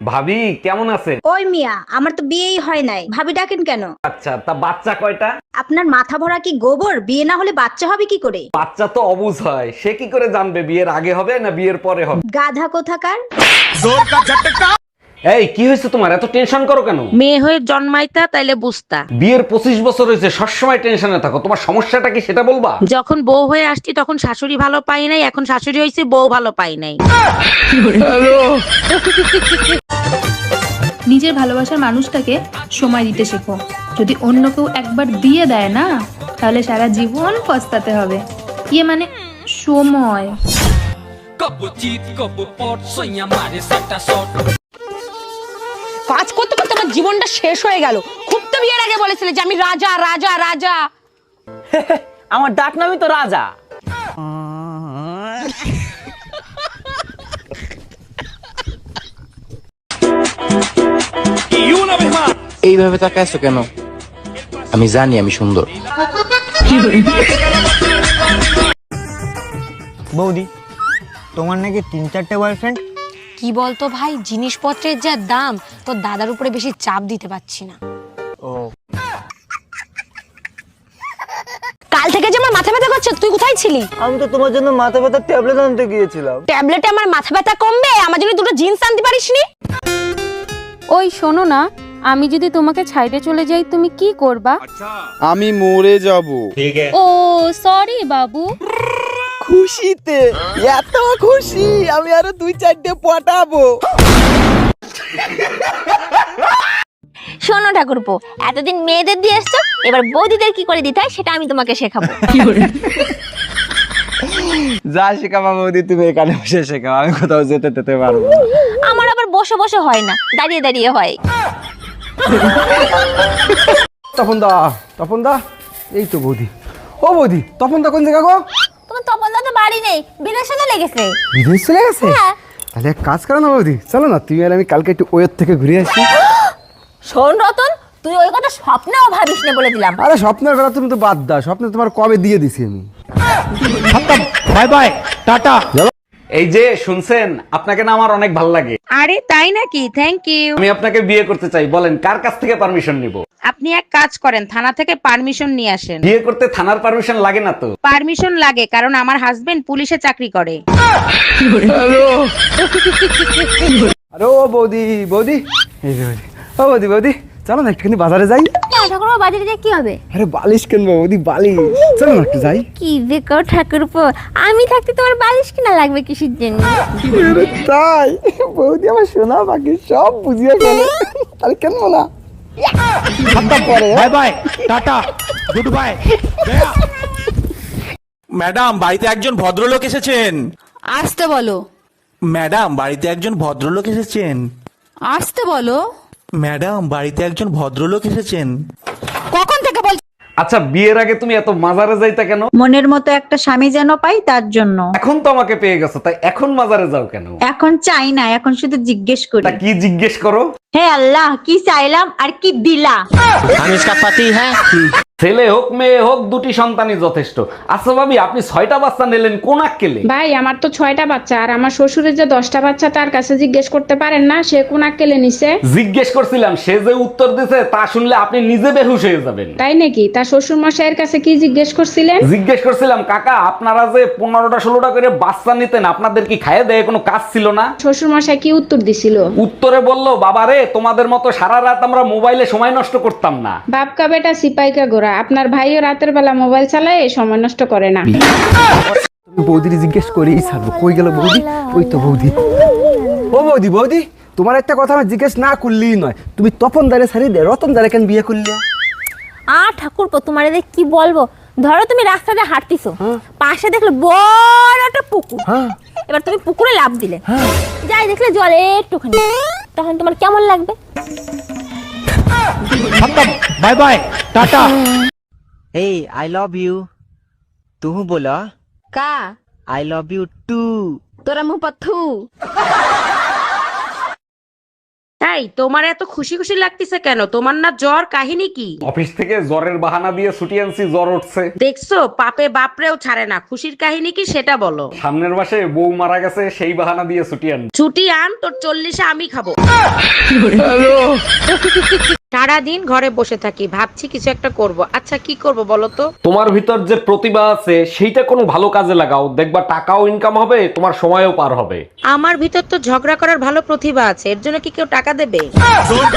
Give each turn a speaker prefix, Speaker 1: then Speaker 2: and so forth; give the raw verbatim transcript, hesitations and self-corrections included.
Speaker 1: ভাবি কেমন আছেন?
Speaker 2: ওই মিয়া, আমার তো বিয়েই হয় নাই, ভাবি ডাকেন কেন?
Speaker 1: আচ্ছা, তা বাচ্চা কয়টা?
Speaker 2: আপনার মাথা ভরা কি গোবর? বিয়ে না হলে বাচ্চা হবে কি করে?
Speaker 1: বাচ্চা তো অবুঝ হয়, সে কি করে জানবে বিয়ের আগে হবে না বিয়ের পরে হবে?
Speaker 2: গাধা কোথাকার।
Speaker 1: এই কি হয়েছে তোমার, এত টেনশন করো কেন?
Speaker 3: মেয়ে হয়ে জন্মাইতা তাইলে বুঝতা।
Speaker 1: বিয়ের পঁচিশ বছর হয়েছে, সবসময় টেনশনে থাকো, তোমার সমস্যাটা কি সেটা বলবা?
Speaker 3: যখন বউ হয়ে আসছি তখন শাশুড়ি ভালো পাই নাই, এখন শাশুড়ি হয়েছে বউ ভালো পাই নাই।
Speaker 4: নিজের ভালোবাসার মানুষটাকে সময় দিতে শেখো। যদি অন্য কেউ একবার দিয়ে দেয় না, তাহলে সারা জীবন পস্তাতে হবে। ইয়ে মানে সময়।
Speaker 5: কাজ করতে করতে আমার জীবনটা শেষ হয়ে গেল। খুব তো বিয়ের আগে বলেছিলে যে আমি রাজা রাজা রাজা।
Speaker 6: আমার ডাক নামই তো রাজা।
Speaker 7: এইভাবে তাকাইছো কেন? আমি জানি আমি সুন্দর।
Speaker 6: বৌদি, তোমার নাকি তিন চারটে বয়ফ্রেন্ড?
Speaker 5: কি বলতো ভাই, জিনিসপত্রের যা দাম, তোর দাদার উপরে বেশি চাপ দিতে পারছি না।
Speaker 6: ও,
Speaker 5: কাল থেকে যে আমার মাথা ব্যথা করছে, তুই কোথায় ছিলি?
Speaker 6: আমি তো তোমার জন্য মাথা ব্যথার ট্যাবলেট আনতে গিয়েছিলাম।
Speaker 5: ট্যাবলেটে আমার মাথা ব্যথা কমবে? আমার জন্য দুটো জিন্স আনতে পারিসনি?
Speaker 8: ওই শোনো না, আমি যদি তোমাকে ছাইড়ে চলে যাই তুমি কি করবা?
Speaker 7: আমি মরে যাব।
Speaker 8: ও সরি বাবু।
Speaker 6: খুশিতে এত খুশি আমি আরো দুই চারটে পটাবো।
Speaker 9: শোনো ঠাকুরপো, এতদিন মেয়েদের দিয়ে এসছো, এবার বৌদিদের কি করে দিতে হয় সেটা আমি তোমাকে শেখাবো।
Speaker 6: যা শেখাবা বৌদি তুমি এখানে বসে শেখাও, আমি কোথাও যেতে যেতে পারবো না।
Speaker 9: আমার আবার বসে বসে হয় না, দাঁড়িয়ে দাঁড়িয়ে হয়।
Speaker 10: তপন দা, তপন দা, এই তো বৌদি। ও বৌদি, তপন দা কোন জায়গা গো?
Speaker 9: তোমার তপন দা তো বাড়ি নেই, বিদেশে চলে গেছে।
Speaker 10: বিদেশ চলে গেছে?
Speaker 9: হ্যাঁ।
Speaker 10: তাহলে এক কাজ করো না বৌদি, চলো না তুমি আর আমি কালকে একটু ওয়ের থেকে ঘুরে আসি।
Speaker 9: শোন রতন, তুই ওই কথা স্বপ্নেও ভাবিস না বলে দিলাম।
Speaker 10: আরে স্বপ্নের কথা তুমি তো বাদ দাও, স্বপ্নে তোমার কবে দিয়ে দিছি আমি।
Speaker 7: Bye bye, tata.
Speaker 1: এই যে শুনছেন, আপনাকে না আমার অনেক ভালো লাগে।
Speaker 3: আরে তাই নাকি? Thank you.
Speaker 1: আমি আপনাকে বিয়ে করতে চাই, বলেন কার কাছ থেকে পারমিশন নিব?
Speaker 3: আপনি এক কাজ করেন, থানা থেকে পারমিশন নিয়ে আসেন।
Speaker 1: বিয়ে করতে থানার পারমিশন লাগে না তো?
Speaker 3: পারমিশন লাগে, কারণ আমার হাজবেন্ড পুলিশে চাকরি করে।
Speaker 10: আরে ও বৌদি, বৌদি, এই যে বৌদি, ও বৌদি, বৌদি, চলো না একটুখানি বাজারে যাই।
Speaker 9: ঠাকুরপো, বাজারে দিয়ে কি হবে?
Speaker 10: আরে বালিশ কিনবো বৌদি, বালিশ। চলো না একটু যাই।
Speaker 9: কি দেখো ঠাকুরপো, আমি থাকতে তোমার বালিশ কিনা লাগবে কিসের জন্য?
Speaker 10: আরে তাই? বৌদি আমার সোনা বাকি সব বুঝিয়ে ফেলে, তাহলে কিনবো না।
Speaker 7: Bye bye, tata, good bye. Madam, বাড়িতে একজন ভদ্রলোক এসেছেন।
Speaker 4: আসতে বলো।
Speaker 7: ম্যাডাম, বাড়িতে একজন ভদ্রলোক এসেছেন।
Speaker 4: আসতে বলো।
Speaker 7: ম্যাডাম, বাড়িতে একজন ভদ্রলোক এসেছেন।
Speaker 5: কখন থেকে বল?
Speaker 1: আচ্ছা, বিয়ের আগে তুমি এত মাজারে যাইতা কেন?
Speaker 2: মনের মতো একটা স্বামী যেন পাই, তার জন্য।
Speaker 1: এখন তো আমাকে পেয়ে গেছো, তাই এখন মাজারে যাও কেন?
Speaker 2: এখন চাই না, এখন শুধু জিজ্ঞেস করি।
Speaker 1: তা কি জিজ্ঞেস করো?
Speaker 2: হে আল্লাহ, কি চাইলাম আর কি দিলা?
Speaker 6: আমি इसका पति है।
Speaker 1: ছেলে হোক মেয়ে হোক, দুটি সন্তানই যথেষ্ট। আচ্ছা ভাবি, আপনি ছয়টা বাচ্চা নিলেন কোন আক্কেলে?
Speaker 4: ভাই, আমার তো ছয়টা বাচ্চা, আর আমার শ্বশুরের যে দশটা বাচ্চা, তার কাছে জিজ্ঞেস করতে পারেন না সে কোন আক্কেলে নিছে?
Speaker 1: জিজ্ঞেস করছিলাম, সে যে উত্তর দিছে তা শুনলে আপনি নিজে বেহুশ হয়ে যাবেন।
Speaker 4: তাই নাকি? তার শ্বশুর মশাইয়ের কাছে কি জিজ্ঞেস করছিলেন?
Speaker 1: জিজ্ঞেস করছিলাম, কাকা আপনারা যে পনেরোটা ষোলোটা করে বাচ্চা নিতেন, আপনাদের কি খাইয়ে দেয় কোনো কাজ ছিল না?
Speaker 4: শ্বশুর মশাই কি উত্তর দিছিল?
Speaker 1: উত্তরে বললো, বাবারে তোমাদের মতো সারা রাত আমরা মোবাইলে সময় নষ্ট করতাম না।
Speaker 4: বাপকা বেটা সিপাইকা গোরা, আপনার ভাইও রাতের বেলা মোবাইল চালায়, সময় নষ্ট করে না।
Speaker 10: তুমি বৌদির জিজ্ঞেস করেই ছাড়বো। কই গেল বৌদি? ওই তো বৌদি। ও বৌদি, বৌদি, তোমার একটা কথা আমি জিজ্ঞেস না করলেই নয়, তুমি তপন দারে ছাড়ি দে রতন দারে কেন বিয়ে করলে?
Speaker 9: আ ঠাকুরপো, তোমার এদের কি বলবো? ধরো তুমি রাস্তা দিয়ে হাঁটতিছো, পাশে দেখলে বড় একটা পুকুর। এবার তুমি পুকুরে লাফ দিলে, যাই দেখলে জলে একটুখানি, তখন তোমার কেমন লাগবে?
Speaker 7: Bye bye, tata.
Speaker 6: এই आई लव यू, तू बोला
Speaker 9: কা
Speaker 6: आई लव यू टू।
Speaker 9: তোরা মুহ পাথু।
Speaker 3: তাই এই তোমার এত খুশি খুশি লাগতেছে কেন? তোমার না জ্বর? কাহিনী কি?
Speaker 1: অফিস থেকে জ্বরের বাহানা দিয়ে ছুটি আনছি, জ্বর উঠছে।
Speaker 3: দেখছো পাপে বাপরেও ছাড়ে না। খুশির কাহিনী কি সেটা বলো।
Speaker 1: সামনের মাসে বউ মারা গেছে, সেই বাহানা দিয়ে ছুটি আন।
Speaker 3: ছুটি আন, তোর চল্লিশে আমি খাবো। সারাদিন ঘরে বসে থাকি, ভাবছি কিছু একটা করব। আচ্ছা কি করব বলো তো?
Speaker 1: তোমার ভিতর যে প্রতিভা আছে সেইটা কোনো ভালো কাজে লাগাও, দেখবা টাকাও ইনকাম হবে, তোমার সময়ও পার হবে।
Speaker 3: আমার ভিতর তো ঝগড়া করার ভালো প্রতিভা আছে, এর জন্য কি কেউ টাকা দেবে?